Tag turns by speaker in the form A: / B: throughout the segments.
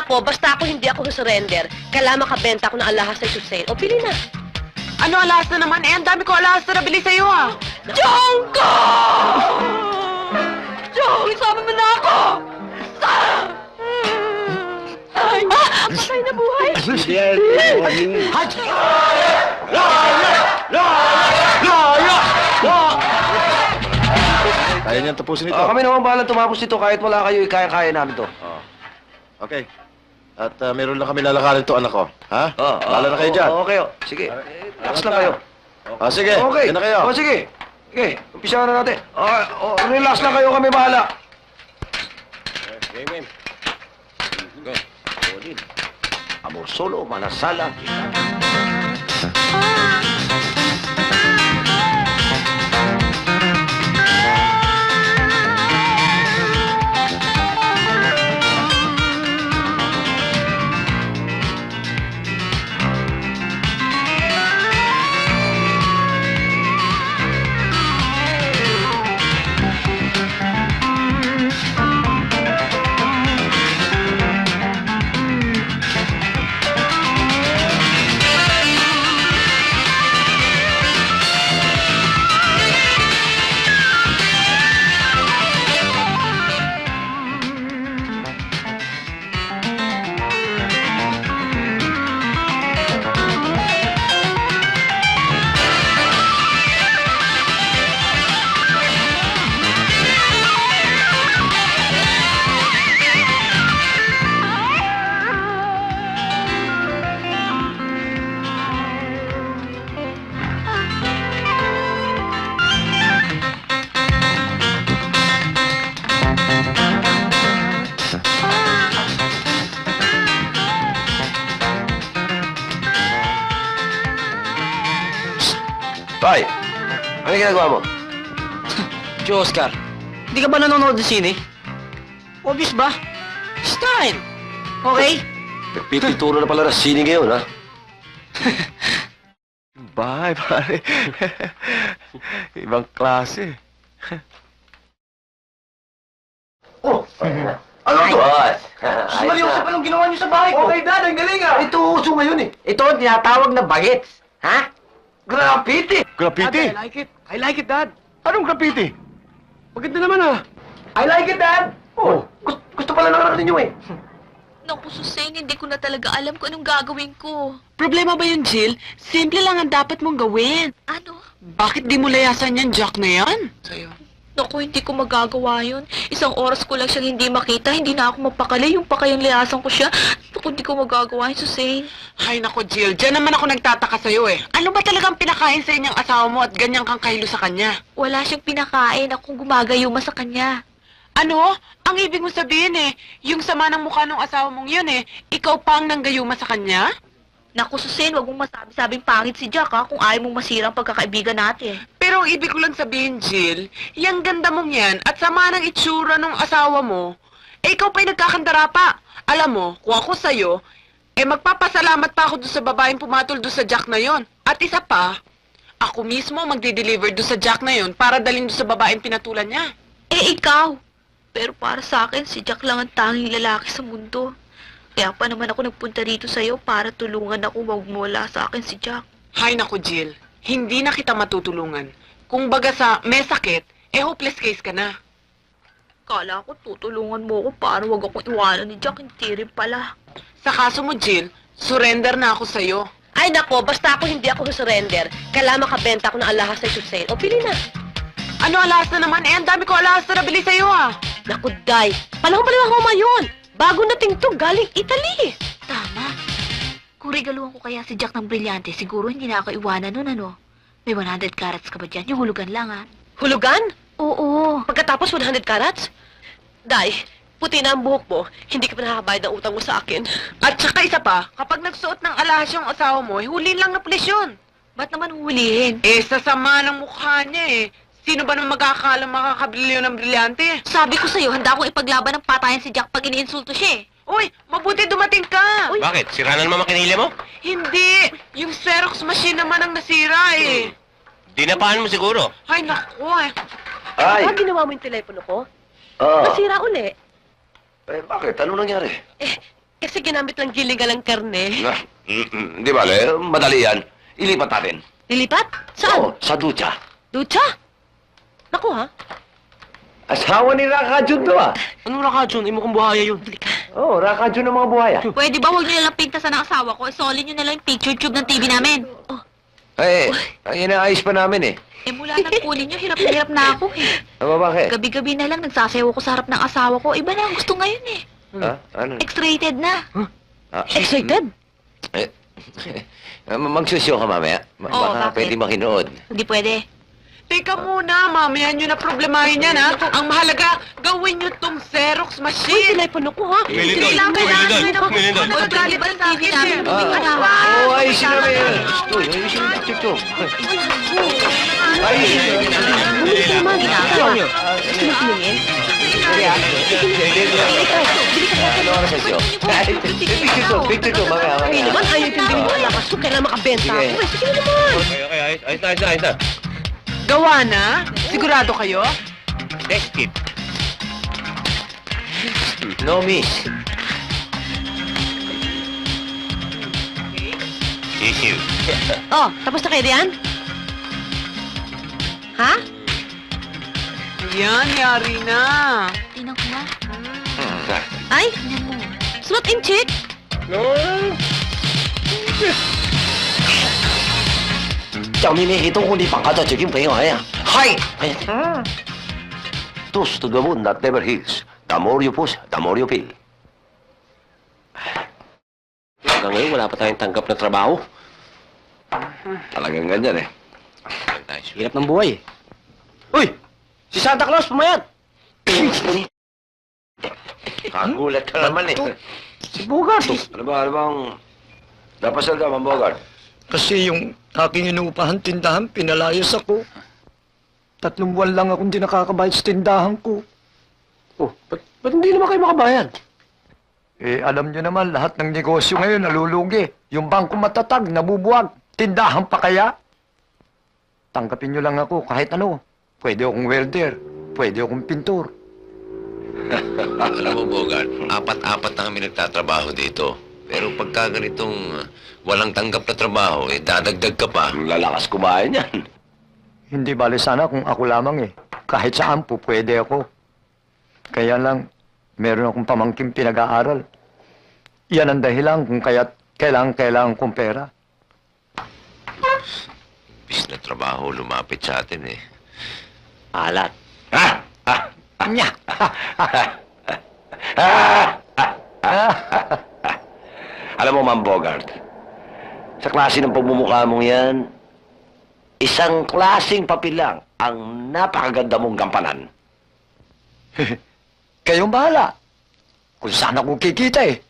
A: nako, basta hindi ako surrender. Kailangan makabenta ako ng alahas sa sale. O, pili na.
B: Ano alahas na naman? Eh, ang dami ko alahas na nabili sa'yo, ah.
A: Jongko! Jong, isama mo na ako! Ay, ang patay na buhay!
C: Kaya niyan tapusin ito.
D: Kami naman bahala tumapos dito kahit wala kayo, kaya-kaya namin to.
C: Okay. At meron lang kami lalakarin to, anak ko. Ha? Bahala na kayo dyan.
D: Okay, sige. Relax lang kayo.
C: Sige,
D: Okay.
C: yan na kayo.
D: Sige. Sige, umpisahan na natin. Relax lang kayo, kami bahala.
C: Game.
D: Amor solo, manasala. Tay, ano ginagawa mo?
E: Joe Oscar, hindi ka ba nanonood ng sine? Obvious ba? Style! Okay?
D: Nagpipituro na pala ng sine ngayon, ha?
C: Bye, pare. Ibang klase.
D: Ano to?
E: Seryoso pa nung ginawa niyo sa bahay ko.
D: Okay, Dad, ang galing, ah! Ito uso ngayon, eh.
E: Ito ang tinatawag na bagets. Ha?
D: Graffiti!
C: Graffiti?
E: I like it. I like it, Dad.
C: Anong graffiti?
E: Maganda naman, ah.
D: I like it, Dad! Oh, gusto pala ng anak ninyo, eh.
F: Naku, Suseng, hindi ko na talaga alam kung anong gagawin ko.
B: Problema ba yun, Jill? Simple lang ang dapat mong gawin.
F: Ano?
B: Bakit di mo layasan yan, Jack na yan? Sa'yo.
F: Naku, hindi ko magagawa yun. Isang oras ko lang siyang hindi makita, hindi na ako mapakali. Yung pakayang liasan ko siya. Naku, hindi ko magagawa yun, Suseng.
B: Ay, nako, Jill. Diyan naman ako nagtataka sa'yo, eh. Ano ba talagang pinakain sa inyong asawa mo at ganyan kang kahilo sa kanya?
F: Wala siyang pinakain. Akong gumagayuma sa kanya.
B: Ano? Ang ibig mo sabihin, eh, yung sama ng mukha ng asawa mong yun, eh, ikaw pa ang nanggayuma sa kanya?
F: Naku, Suseng, wag mong masabi-sabing pangit si Jack, ha, kung ayaw mong masira ang pagkakaibigan natin.
B: Pero ang ibig ko lang sabihin, Jill, yung ganda mong yan at sama ng itsura ng asawa mo, eh ikaw pa'y nagkakandara pa. Alam mo, kung ako sa'yo, eh magpapasalamat pa ako doon sa babaeng pumatol doon sa Jack na yon. At isa pa, ako mismo magdi-deliver doon sa Jack na yon para dalhin doon sa babaeng pinatulan niya.
F: Eh, ikaw. Pero para sa akin, si Jack lang ang tanging lalaki sa mundo. Kaya pa naman ako nagpunta dito sa'yo para tulungan ako magmula sa akin si Jack.
B: Hay naku, Jill, hindi na kita matutulungan. Kung baga sa may sakit, eh hopeless case ka na.
F: Kala ko tutulungan mo ako para wag akong iwanan ni Jack, hindi rin pala.
B: Sa kaso mo, Jill, surrender na ako sa'yo.
A: Ay, nako, basta hindi ako surrender. Kailangan makabenta ako ng alahas sa sale. O, pili na.
B: Ano alahas na naman? Eh, ang dami ko alahas na nabili sa'yo, ah.
A: Naku, Day. Panahon pala ng Roma yun. Bago nating to, galing Italy.
F: Tama. Kung regaluhan ko kaya si Jack ng brilyante, siguro hindi na ako iwanan nun, ano? May 100 carats ka ba dyan? Yung hulugan lang, ha?
A: Hulugan?
F: Oo.
A: Pagkatapos 100 carats? Day, puti na ang buhok mo, hindi ka pa nakakabayad ng utang mo sa akin.
B: At saka isa pa, kapag nagsuot ng alahas yung asawa mo, eh, hulin lang na pulis yun.
F: Ba't naman huhulihin?
B: Eh, sa sama ng mukha niya, eh. Sino ba nang makakala makakabili yun ng brilyante?
F: Sabi ko sa'yo, handa akong ipaglaban ng patayan si Jack pag iniinsulto siya, eh.
B: Uy, mabuti dumating ka!
F: Uy.
C: Bakit? Sira na naman makinila mo?
B: Hindi! Yung Xerox machine naman ang nasira, eh.
C: Dinapaan mo siguro.
B: Ay, naku, eh.
D: Ay!
A: Ba, ginawa mo yung telepono ko?
D: Ah,
A: Nasira uli.
D: bakit? Ano nangyari?
A: Kasi ginamit lang gilingan ng karne.
D: Di bale, madali yan. Ilipat natin.
A: Lilipat? Saan?
D: Oo, sa ducha.
A: Ducha? Naku ha?
D: Asawa ni Raka Jun to ah.
E: Anong Rakajun? Imo kong buhaya yun.
D: Oo, Raka Jun ng mga buhaya.
F: Pwede ba huwag niyo nalang pintasan ng asawa ko? Isolin niyo na lang yung picture tube ng TV namin.
D: Eh, inaayos pa namin eh.
F: Eh mula nang kunin niyo, hirap na hirap na ako eh.
D: Ano bakit?
F: Gabi-gabi na lang nagsasayaw ko sa harap ng asawa ko. Iba na ang gusto ngayon eh.
D: Ha? Ano?
F: X-rated na.
A: Excited?
D: Magsusyo ka mamaya.
F: Oo,
D: Baka
F: bakit?
D: pwede makinood.
F: Hindi pwede.
B: Teka muna, mamaya nyo na problemahin yan, ha? Ang mahalaga, gawin nyo tong Xerox
A: Uy,
B: machine.
A: telepono ko ha?
B: Kailangan mo nagagalit
F: Ba
B: sa
F: TV
B: akin,
F: namin?
B: eh.
F: Buming asawa.
D: Oo, ayusin namin yan. Uy, ayusin yung picture to. Ayusin nyo.
A: Ginagawa.
F: Ginagawa.
A: Sinungaling?
D: Ano oras sa'yo? Picture to, mamaya.
A: Ay naman, ayaw tinding mo. Lakas ko, kailangan makabenta
D: Sige.
A: ako. Sige na naman.
D: Okay, ayos na.
B: Gawa na? Sigurado kayo?
D: Test it. No miss. Issue.
A: Oh, tapos na kayo diyan? Ha?
B: Ayan, yari na.
F: Tingnan ko nga.
A: Ay,
F: Tingnan mo.
A: slot in chick?
D: No.
E: 小妹妹，东湖你放假就叫朋友呀？
D: Hi!
E: 哎，
D: Tos to the moon that never heals. The more you push, the more you feel.
E: hanggang ngayon wala pa tayong tanggap na trabaho.
D: Talagang ganyan eh.
E: Hirap ng buhay eh. Uy! Si Santa Claus, pumayat!
D: Kagulat ka naman eh.
E: Si Bogart!
D: Ano bang... Napasal ka, Ma'am Bogart?
G: Kasi yung aking inuupahan tindahan, pinalayas ako. 3 buwan lang akong di nakakabayad sa tindahan ko.
E: Oh, ba't hindi naman kayo makabayad?
G: Eh, alam nyo naman, lahat ng negosyo ngayon nalulugi. Yung bangko matatag, nabubuwag. Tindahan pa kaya? Tanggapin nyo lang ako kahit ano. Pwede akong welder, pwede akong pintor.
H: Alam mo, Bogart, 4-4 na kami nagtatrabaho dito. Pero pagka ganitong walang tanggap na trabaho, eh, dadagdag ka pa.
D: Lalakas kumain yan.
G: Hindi bale sana kung ako lamang eh. Kahit saan po pwede ako. Kaya lang, meron akong pamangkin pinag-aaral. Yan ang dahilan kung kaya't kailangan kong pera.
H: Bis na trabaho lumapit sa atin eh.
E: Alat.
G: Nya!
D: Alam mo, Ma'am Bogart, sa klase ng pagmumukha mong yan, isang klaseng papel lang ang napakaganda mong gampanan.
G: Kayong bahala. Kung saan ako kikita eh.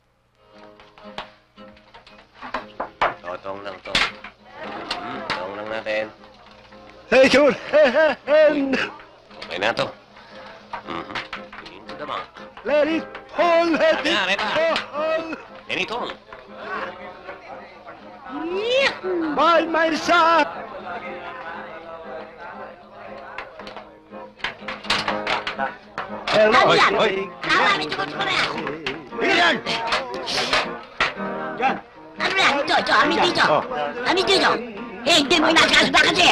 H: Totong lang to. Totong lang natin.
G: Hey, good.
H: Okay na to. Into the bank.
G: Let it fall, let it
H: Ayan, ito.
G: fall.
H: Ganito.
G: By my side. Hello. Oy. Iyan.
I: Ano na? Ito, amin dito. Amin dito. Eh, hindi mo inakasda kasi.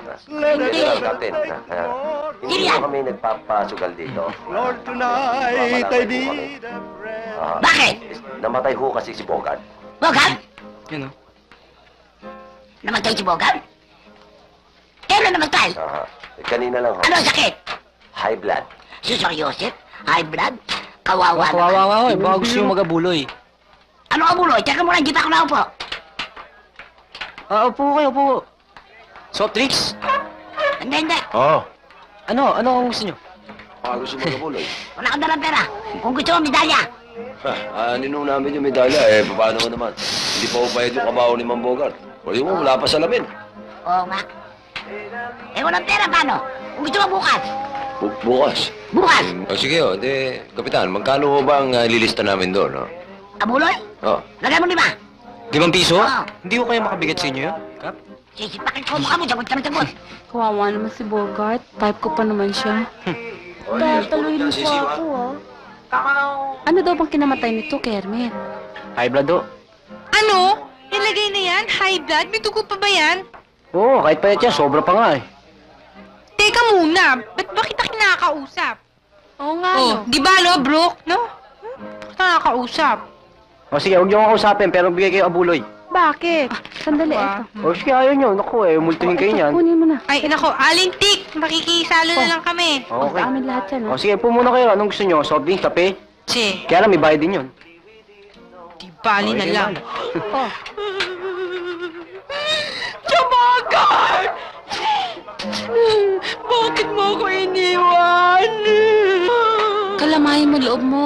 D: Hindi mo kami nagpapasugal dito.
G: Lord, tonight I need a friend.
I: Bakit?
D: Namatay ho kasi si Bogart.
I: Bogart?
E: Yun o.
I: Namatay si Bogart? Kailan namatay?
D: Kanina lang ho.
I: Ano ang sakit?
D: High blood.
I: Si Sir Joseph? High blood? Kawawa naman.
E: Kawawa ko eh. Baka gusto yung magabuloy.
I: Ano ka buloy? Teka muna, hindi pa ako naupo.
E: Upo kayo, upo. Soft drinks?
I: Hindi.
D: Oo.
E: Ano ang gusto nyo?
D: Baka gusto mo kabuloy.
I: Wala kang dalang pera. Kung gusto mo, medalya.
D: Ninong namin yung medalya. Eh, paano mo naman? Hindi pa upayad yung kabaho ni Ma'am Bogart. Pwede mo, wala pa salamin.
I: Oo nga. Eh, walang pera, paano? Kung gusto mo bukas.
D: Bukas.
I: Bukas.
H: O sige, o. De, Kapitan, magkano ho ba ang lilista namin doon, no?
I: Abuloy?
H: Oh.
I: Lagay mo 5.
E: 5 piso?
I: Oo.
E: Hindi ko kaya makabigat sa inyo yun, Kap?
I: Sisipakin ko mukha mo, sagot ka ng sagot.
J: Kawawa naman si Bogart. Type ko pa naman siya. Tataluin mo pa ako, ah. Ano daw bang kinamatay nito, Kermit?
E: High blood do.
F: Ano? Nilagay na yan? High blood? May dugo pa ba yan?
E: Oo, kahit payat yan, sobra pa nga eh.
F: Teka muna, ba't ba kita kinakausap?
J: Oo nga,
F: Oh,
J: no?
F: di ba, no, Brooke? No? Bakit nakakausap?
E: O sige, huwag niyo akong kausapin, pero bigay kayo abuloy.
J: Bakit? Sandali,
F: Wow.
J: eto.
E: O sige, ayaw niyo. Naku eh, multuhin kayo
J: Ito,
E: niyan.
J: kunin mo na.
F: Ay, nako, alintik! Makikisalo na lang kami.
J: Sa
E: Okay.
J: amin lahat yan,
E: O
J: ha?
E: sige, po muna kayo. Anong gusto niyo? Soft drinks, kape?
F: Che,
E: Kaya lang, may bayad din yun.
F: di bali na
E: Okay,
F: lang.
E: Oh.
A: Jamagan! Bakit mo ako iniwan?
J: Kalamayin mo loob mo.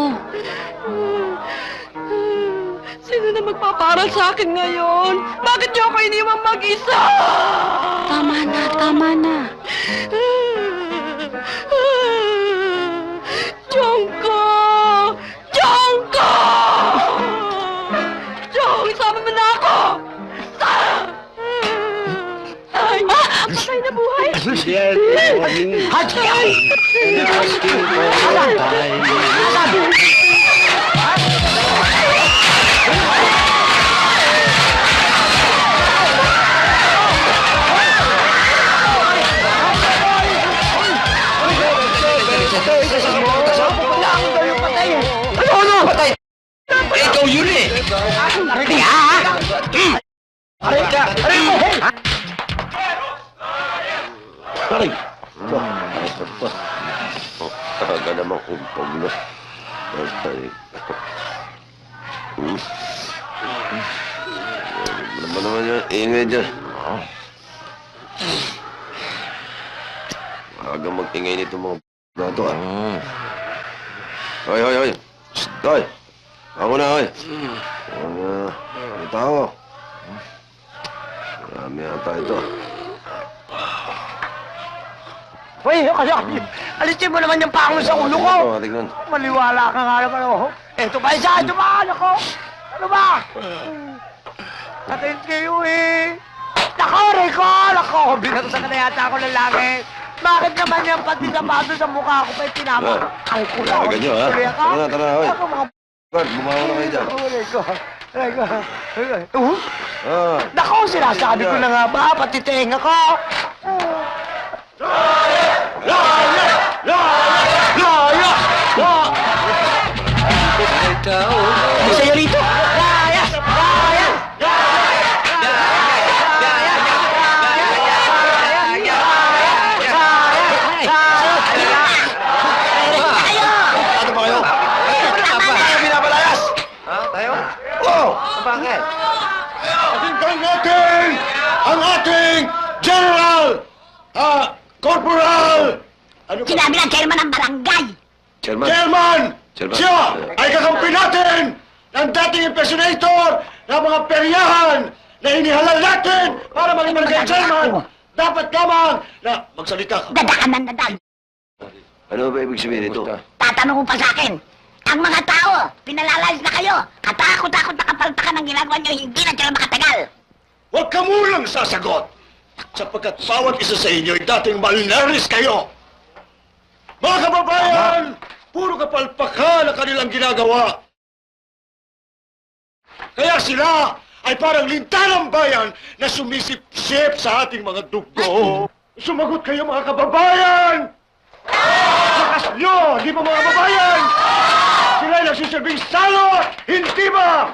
A: Sino na magpaparal sa akin ngayon? Bakit niyo ako iniwan mag-isa?
J: Tama na, tama na.
A: Jongko! Jongko! Jong, sama mo na ako! Ay! Patay na buhay!
D: Ikaw yun eh! Aray! Talaga naman kumpag na. Aray. Ano naman yan? Ingay dyan. Aga mag-ingay nito mga na to ah. Hoy, hoy, hoy! Shh, hoy! Ako na, hoy! May tao. Marami yata ito.
G: Uy, kasi alisin mo naman yung pango sa ulo ko.
D: Ito, tignan.
G: Maliwala ka nga naman, oh. Eto ba isa? Ito ba? Nako! Ano ba? Atin kayo eh. Nako, Rico! Nako, binarusan ka na yata ako ng langit. Bakit naman yan pati sapato sa mukha ko pa'y tinama? Ay, kulang.
D: Talaga nyo, ha?
G: Tuloy ka?
D: Tara na, tara na, hoy.
G: Ako, mga
D: Guard, bumawa na kayo dyan.
G: Oh, Rico. Rico.
D: Ah,
G: Nako, sinasabi ko na nga ba, pati tenga ko.
E: Sa'yo rito!
D: ano ba kayo? Tayo binabalayas! Ha? Tayo? Oo! Bakit?
C: Pakinggan natin ang ating General! Corporal! Ano ka?
I: Sinabi ng chairman ng barangay.
D: Chairman?
C: Chairman!
D: Chairman.
C: Siya ay kakampi natin ng dating impersonator ng mga peryahan na inihalal natin para maging barangay chairman. Dapat lamang na magsalita ka.
I: Dadakan ng dadag.
D: Ano ba ibig sabihin nito?
I: Tatanong mo pa sa akin. Ang mga tao, pinalalayas na kayo. Katakot-takot na kapalpakan ang ginagawa nyo, hindi na sila makatagal.
C: Huwag ka munang sasagot sapagkat bawat isa sa inyo ay dating malnaris kayo. Mga kababayan, puro kapalpakan ang kanilang ginagawa. Kaya sila ay parang lintanang bayan na sumisip-sip sa ating mga dugo. Sumagot kayo mga kababayan! Lakas nyo, di ba mga kababayan? Sila ay nagsisilbing salot, hindi ba?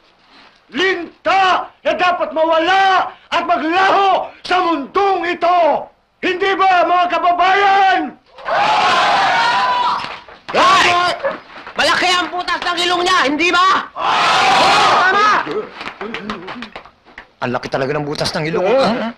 C: Linta na dapat mawala at maglaho sa mundong ito! Hindi ba mga kababayan?
B: Ay! Malaki ang putas ng ilong niya, hindi ba? Tama!
G: Ang laki talaga ng butas ng ilong.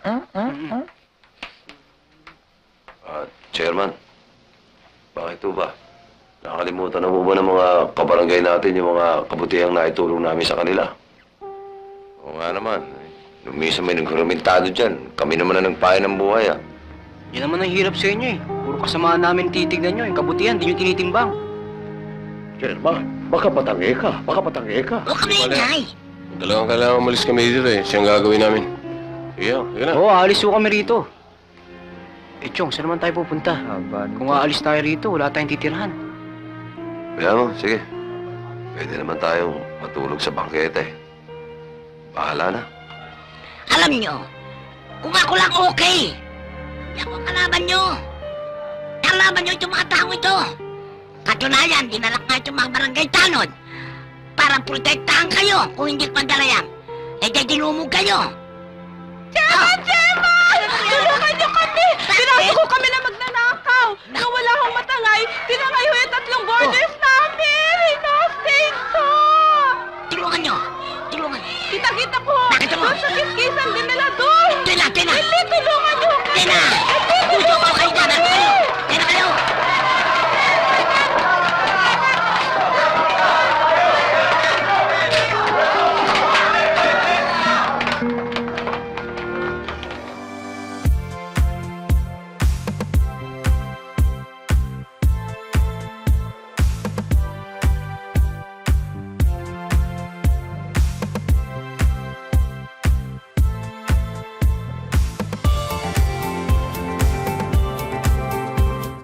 D: Chairman, bakit po ba? Nakalimutan na po ba ng mga kabarangay natin yung mga kabutihang naitulong namin sa kanila? Oo nga naman. Nung minsan may nagkurumentado dyan, kami naman na nagpahay ng buhay ah.
E: Yan naman ang hirap sa inyo eh. Puro kasamaan namin titignan nyo. Yung kabutihan, di nyo tinitimbang.
C: Chairman, baka patangi ka. Baka patangi ka.
I: Huwag kami ingay.
H: Dalawang kailangan umalis kami dito eh. Siyang gagawin namin. Sige, sige na.
E: Oo, aalis po kami rito. Eh, Chong, saan naman tayo pupunta? Kung aalis tayo rito, wala tayong titirhan.
D: Kaya mo, sige. Pwede naman tayong matulog sa bangketa eh. Bahala na.
I: Alam nyo, kung ako lang okay, yan ang kalaban nyo. Kalaban nyo itong mga tao ito. Katunayan, dinala nga itong mga barangay tanod para protektahan kayo kung hindi padala yan. Eh, di dinumog kayo.
F: Gemma! Tulungan niyo kami! Pinasok ko kami na magnanakaw! Nung wala akong matangay, tinangay ho yung 3 borders namin! Inostate ko!
I: Tulungan nyo! Tulungan!
F: Kita-kita ko!
I: Bakit mo?
F: Doon sa kiskisan din nila doon!
I: Tina!
F: Hindi, tulungan niyo kami!
I: Tina! Puso ko kayo dyan! Ano kayo?